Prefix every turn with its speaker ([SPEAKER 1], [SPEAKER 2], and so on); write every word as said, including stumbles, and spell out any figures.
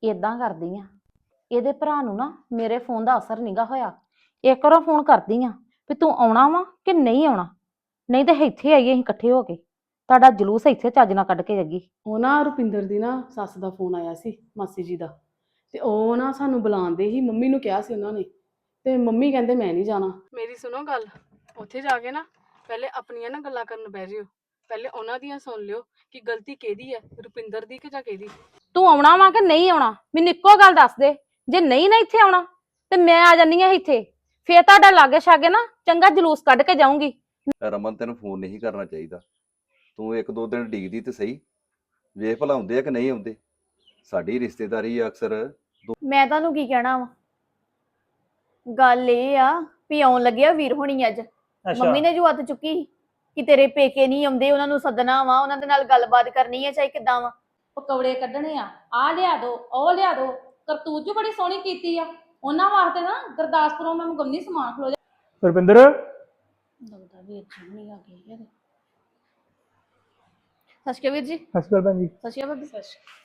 [SPEAKER 1] ਇਦਾਂ ਕਰਦੀ ਆ, ਇਹਦੇ ਭਰਾ ਨੂੰ ਨਾ ਮੇਰੇ ਫੋਨ ਦਾ ਅਸਰ ਨਹੀਂਗਾ ਹੋਇਆ। ਇੱਕ ਵਾਰ ਫੋਨ ਕਰਦੀ ਆ ਵੀ ਤੂੰ ਆਉਣਾ ਵਾ ਕਿ ਨਹੀਂ ਆਉਣਾ, ਨਹੀਂ ਤੇ ਇੱਥੇ ਆਈਏ ਅਸੀਂ ਇਕੱਠੇ ਹੋ ਕੇ, ਤੁਹਾਡਾ ਜਲੂਸ ਇੱਥੇ ਚੱਜ ਨਾਲ ਕੱਢ ਕੇ ਜਾਗੀ।
[SPEAKER 2] ਉਹ ਨਾ ਰੁਪਿੰਦਰ ਦੀ ਨਾ ਸੱਸ ਦਾ ਫੋਨ ਆਇਆ ਸੀ, ਮਾਸੀ ਜੀ ਦਾ, ਤੇ ਉਹ ਨਾ ਸਾਨੂੰ ਬੁਲਾਉਂਦੇ ਹੀ, ਮੰਮੀ ਨੂੰ ਕਿਹਾ ਸੀ ਉਹਨਾਂ ਨੇ, ਤੇ ਮੰਮੀ ਕਹਿੰਦੇ ਮੈਂ ਨਹੀਂ ਜਾਣਾ। ਮੇਰੀ ਸੁਣੋ ਗੱਲ, ਉੱਥੇ ਜਾ ਕੇ ਨਾ ਪਹਿਲੇ ਆਪਣੀਆਂ ਨਾ ਗੱਲਾਂ ਕਰਨ ਬਹਿ ਜਿਓ, ਪਹਿਲੇ ਉਹਨਾਂ ਦੀਆਂ ਸੁਣ ਲਿਓ ਕਿ ਗਲਤੀ ਕਿਹਦੀ ਹੈ, ਰੁਪਿੰਦਰ ਦੀ ਕਿ ਜਾਂ ਕਿਹਦੀ।
[SPEAKER 1] ਤੂੰ ਆਉਣਾ ਵਾ ਕਿ ਨਹੀਂ ਆਉਣਾ, ਮੈਨੂੰ ਇੱਕੋ ਗੱਲ ਦੱਸ ਦੇ। ਜੇ ਨਹੀਂ ਨਾ ਇੱਥੇ ਆਉਣਾ ਤੇ ਮੈਂ ਆ ਜਾਨੀ ਆ ਇੱਥੇ, ਫੇਰ ਤੁਹਾਡਾ ਲਾਗੇ ਛਾਗੇ ਨਾ ਚੰਗਾ ਜਲੂਸ ਕੱਢ ਕੇ ਜਾਊਂਗੀ।
[SPEAKER 3] ਰਮਨ ਤੈਨੂੰ ਫੋਨ ਨਹੀਂ ਕਰਨਾ ਚਾਹੀਦਾ, ਤੂੰ ਇੱਕ ਦੋ ਦਿਨ ਡੀਕਦੀ ਤੇ ਸਹੀ, ਵੇਖ ਭਲਾ ਆਉਂਦੇ ਆ ਕਿ ਨਹੀਂ ਆਉਂਦੇ। ਸਾਡੀ ਰਿਸ਼ਤੇਦਾਰੀ ਆ ਅਕਸਰ।
[SPEAKER 4] ਮੈਂ ਤੁਹਾਨੂੰ ਕੀ ਕਹਿਣਾ ਵਾ, ਗੱਲ ਇਹ ਆ ਵੀ ਆਉਣ ਲੱਗਿਆ ਵੀਰ ਹੋਣੀ ਅੱਜ। ਮੰਮੀ ਨੇ ਜੋ ਹੱਥ ਚੁੱਕੀ ਕਿ ਤੇਰੇ ਪੇਕੇ ਨਹੀਂ ਆਉਂਦੇ, ਉਹਨਾਂ ਨੂੰ ਸੱਦਣਾ ਵਾ, ਉਹਨਾਂ ਦੇ ਨਾਲ ਗੱਲਬਾਤ ਕਰਨੀ ਹੈ, ਚਾਹੇ ਕਿੱਦਾਂ ਵਾ।
[SPEAKER 1] ਪਕੌੜੇ ਕੱਢਣੇ ਆ, ਆ ਲਿਆ ਦੋ, ਉਹ ਲਿਆ ਦੋ, ਕਰਤੂਤ ਜੋ ਬੜੀ ਸੋਹਣੀ ਕੀਤੀ ਆ ਉਹਨਾਂ ਵਾਸਤੇ ਨਾ। ਗੁਰਦਾਸਪੁਰੋਂ ਮੈਂ ਮੰਗਵਾਉਣੀ ਸਮਾਨ, ਖਲੋ ਜਾ।
[SPEAKER 5] ਰੁਪਿੰਦਰ
[SPEAKER 1] ਲੱਗਦਾ ਵੀਰ ਨਹੀਂ ਆ ਗਈ।
[SPEAKER 4] ਸਤਿ ਸ਼੍ਰੀ ਅਕਾਲ ਵੀਰ ਜੀ।
[SPEAKER 5] ਸਤਿ ਸ਼੍ਰੀ ਅਕਾਲ ਭੈਣ ਜੀ।
[SPEAKER 4] ਸਤਿ ਸ਼੍ਰੀ ਅਕਾਲ ਭਾਬੀ।